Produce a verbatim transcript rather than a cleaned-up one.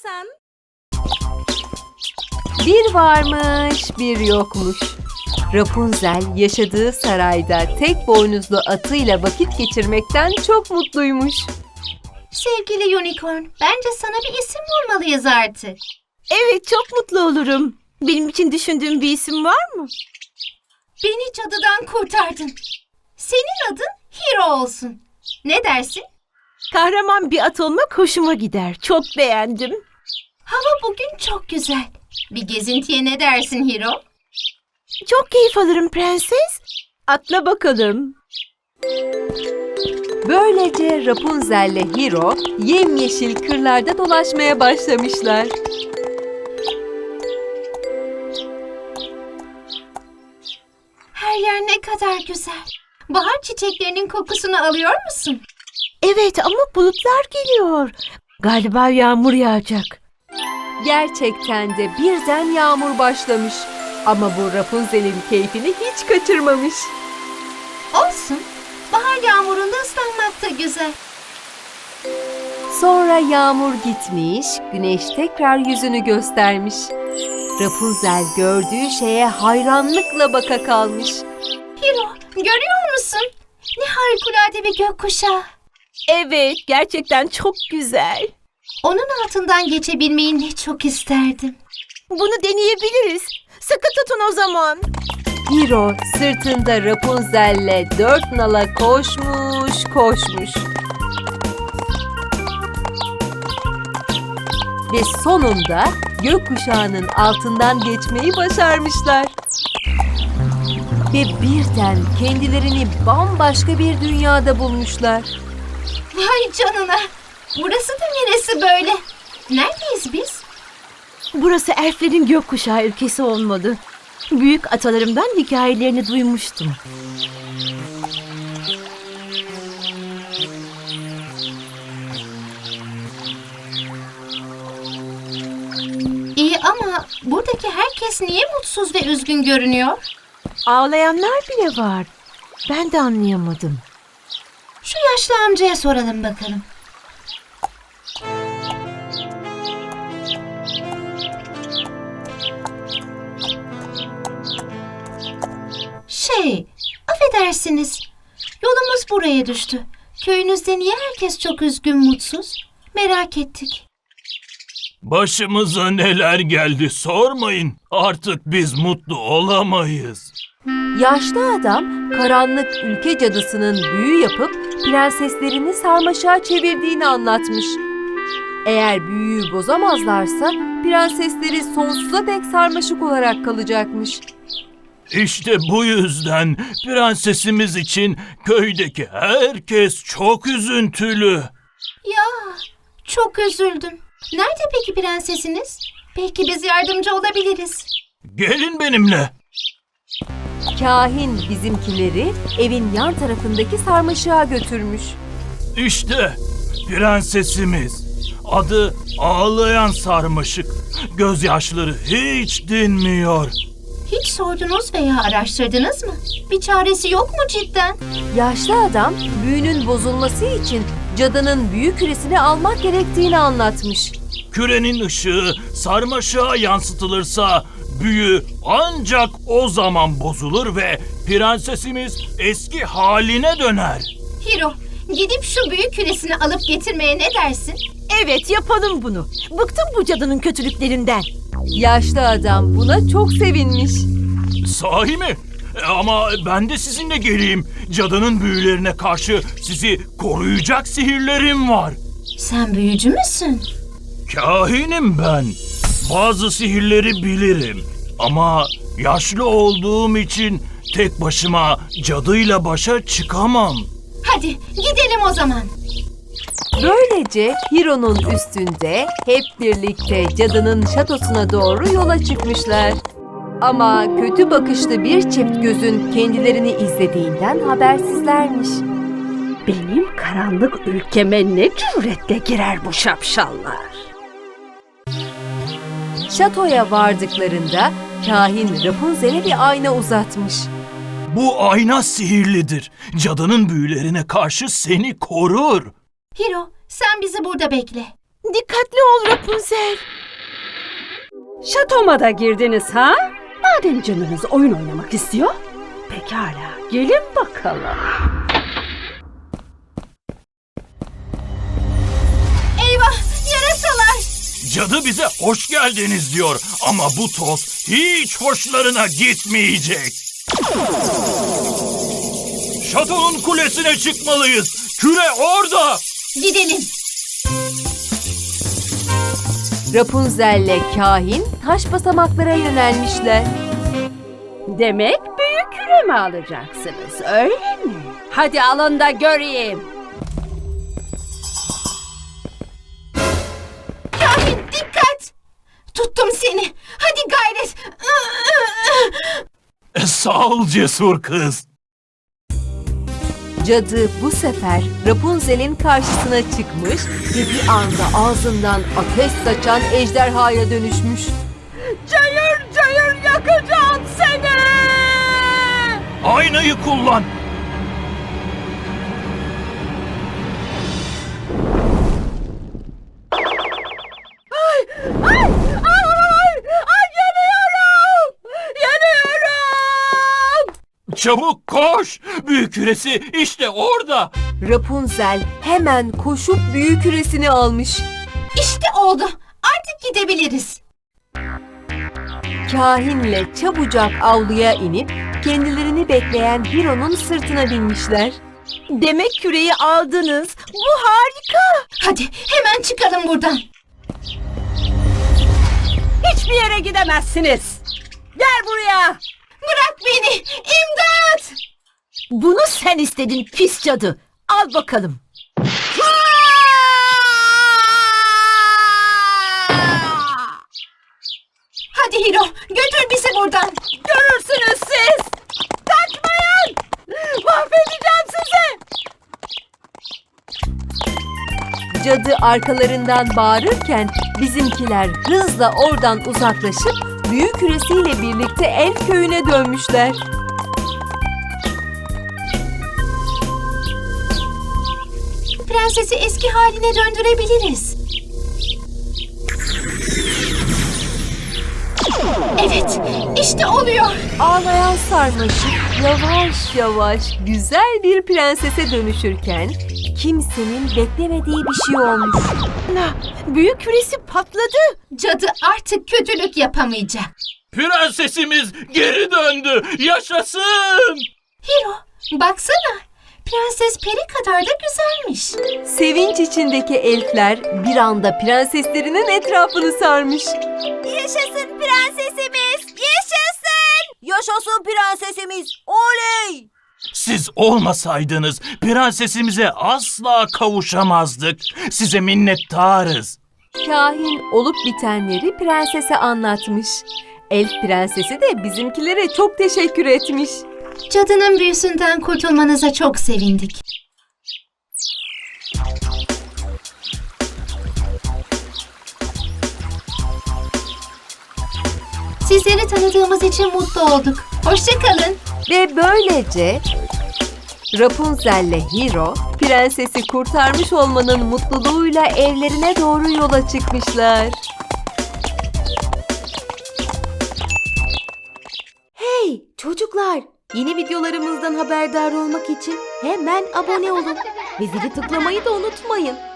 istersen. Bir varmış, bir yokmuş. Rapunzel yaşadığı sarayda tek boynuzlu atıyla vakit geçirmekten çok mutluymuş. Sevgili Unicorn, bence sana bir isim bulmalıyız artık. Evet, çok mutlu olurum. Benim için düşündüğün bir isim var mı? Beni cadıdan kurtardın. Senin adın Hero olsun. Ne dersin? Kahraman bir at olmak hoşuma gider. Çok beğendim. Hava bugün çok güzel. Bir gezintiye ne dersin Hero? Çok keyif alırım prenses. Atla bakalım. Böylece Rapunzel ile Hiro yemyeşil kırlarda dolaşmaya başlamışlar. Her yer ne kadar güzel. Bahar çiçeklerinin kokusunu alıyor musun? Evet ama bulutlar geliyor. Galiba yağmur yağacak. Gerçekten de birden yağmur başlamış. Ama bu Rapunzel'in keyfini hiç kaçırmamış. Olsun. Bahar yağmurunda ıslanmak da güzel. Sonra yağmur gitmiş, güneş tekrar yüzünü göstermiş. Rapunzel gördüğü şeye hayranlıkla baka kalmış. Hero, görüyor musun? Ne harikulade bir gökkuşağı. Evet, gerçekten çok güzel. Onun altından geçebilmeyi ne çok isterdim. Bunu deneyebiliriz. Sıkı tutun o zaman. Hiro sırtında Rapunzel'le dört nala koşmuş, koşmuş. Ve sonunda gökkuşağının altından geçmeyi başarmışlar. Ve birden kendilerini bambaşka bir dünyada bulmuşlar. Vay canına. Burası da neresi böyle? Neredeyiz biz? Burası elflerin gökkuşağı ülkesi olmalı. Büyük atalarımdan hikayelerini duymuştum. İyi ama buradaki herkes niye mutsuz ve üzgün görünüyor? Ağlayanlar bile var. Ben de anlayamadım. Şu yaşlı amcaya soralım bakalım. Şey, affedersiniz. Yolumuz buraya düştü. Köyünüzde niye herkes çok üzgün, mutsuz? Merak ettik. Başımıza neler geldi sormayın. Artık biz mutlu olamayız. Yaşlı adam karanlık ülke cadısının büyü yapıp prenseslerini sarmaşığa çevirdiğini anlatmış. Eğer büyüyü bozamazlarsa prensesleri sonsuza dek sarmaşık olarak kalacakmış. İşte bu yüzden prensesimiz için köydeki herkes çok üzüntülü. Ya, çok üzüldüm. Nerede peki prensesiniz? Belki biz yardımcı olabiliriz. Gelin benimle. Kahin bizimkileri evin yan tarafındaki sarmaşığa götürmüş. İşte prensesimiz. Adı Ağlayan Sarmaşık. Gözyaşları hiç dinmiyor. Hiç sordunuz veya araştırdınız mı? Bir çaresi yok mu cidden? Yaşlı adam büyünün bozulması için cadının büyü küresini almak gerektiğini anlatmış. Kürenin ışığı sarmaşığa yansıtılırsa büyü ancak o zaman bozulur ve prensesimiz eski haline döner. Hiro, gidip şu büyük küresini alıp getirmeye ne dersin? Evet, yapalım bunu. Bıktım bu cadının kötülüklerinden. Yaşlı adam buna çok sevinmiş. Sahi mi? E, Ama ben de sizinle geleyim. Cadının büyülerine karşı sizi koruyacak sihirlerim var. Sen büyücü müsün? Kahinim ben. Bazı sihirleri bilirim. Ama yaşlı olduğum için tek başıma cadıyla başa çıkamam. Hadi gidelim o zaman. Böylece Hiro'nun üstünde hep birlikte cadının şatosuna doğru yola çıkmışlar. Ama kötü bakışlı bir çift gözün kendilerini izlediğinden habersizlermiş. Benim karanlık ülkeme ne cüretle girer bu şapşallar? Şatoya vardıklarında kahin Rapunzel'e bir ayna uzatmış. Bu ayna sihirlidir. Cadının büyülerine karşı seni korur. Hiro, sen bizi burada bekle. Dikkatli ol Rapunzel. Şatoma da girdiniz ha? Madem canınız oyun oynamak istiyor. Pekala, gelin bakalım. Eyvah, yarasalar. Cadı bize hoş geldiniz diyor ama bu toz hiç hoşlarına gitmeyecek. Şatonun kulesine çıkmalıyız. Küre orada. Gidelim. Rapunzel'le kahin taş basamaklara yönelmişler. Demek büyük küre mi alacaksınız, öyle mi? Hadi alın da göreyim. Kahin dikkat. Tuttum seni. Hadi gayret. E, sağ ol cesur kız. Cadı bu sefer Rapunzel'in karşısına çıkmış ve bir anda ağzından ateş saçan ejderhaya dönüşmüş. Cayır cayır yakacağım seni! Aynayı kullan. Ay, ay yanıyorum! Yanıyorum! Çabuk koş. Büyük küresi işte orada. Rapunzel hemen koşup büyük küresini almış. İşte oldu. Artık gidebiliriz. Kahinle çabucak avluya inip kendilerini bekleyen Hiro'nun sırtına binmişler. Demek küreyi aldınız. Bu harika. Hadi hemen çıkalım buradan. Hiçbir yere gidemezsiniz. Gel buraya. Bırak beni. İmdat. Bunu sen istedin pis cadı. Al bakalım. Hadi Hiro, götür bizi buradan. Görürsünüz siz. Kaçmayın. Mahvedeceğim sizi. Cadı arkalarından bağırırken bizimkiler hızla oradan uzaklaşıp büyük küresiyle birlikte Elf köyüne dönmüşler. Prensesi eski haline döndürebiliriz. Evet, işte oluyor. Ağlayan sarmaşık yavaş yavaş güzel bir prensese dönüşürken kimsenin beklemediği bir şey olmuş. Büyük küresi patladı. Cadı artık kötülük yapamayacak. Prensesimiz geri döndü. Yaşasın. Hiro, baksana. Prenses peri kadar da güzelmiş. Sevinç içindeki elfler bir anda prenseslerinin etrafını sarmış. Yaşasın prensesimiz! Yaşasın! Yaşasın prensesimiz! Oley! Siz olmasaydınız prensesimize asla kavuşamazdık. Size minnettarız. Kahin olup bitenleri prensese anlatmış. Elf prensesi de bizimkilere çok teşekkür etmiş. Cadının büyüsünden kurtulmanıza çok sevindik. Sizleri tanıdığımız için mutlu olduk. Hoşça kalın. Ve böylece Rapunzel'le Hiro prensesi kurtarmış olmanın mutluluğuyla evlerine doğru yola çıkmışlar. Hey çocuklar! Yeni videolarımızdan haberdar olmak için hemen abone olun ve zili tıklamayı da unutmayın.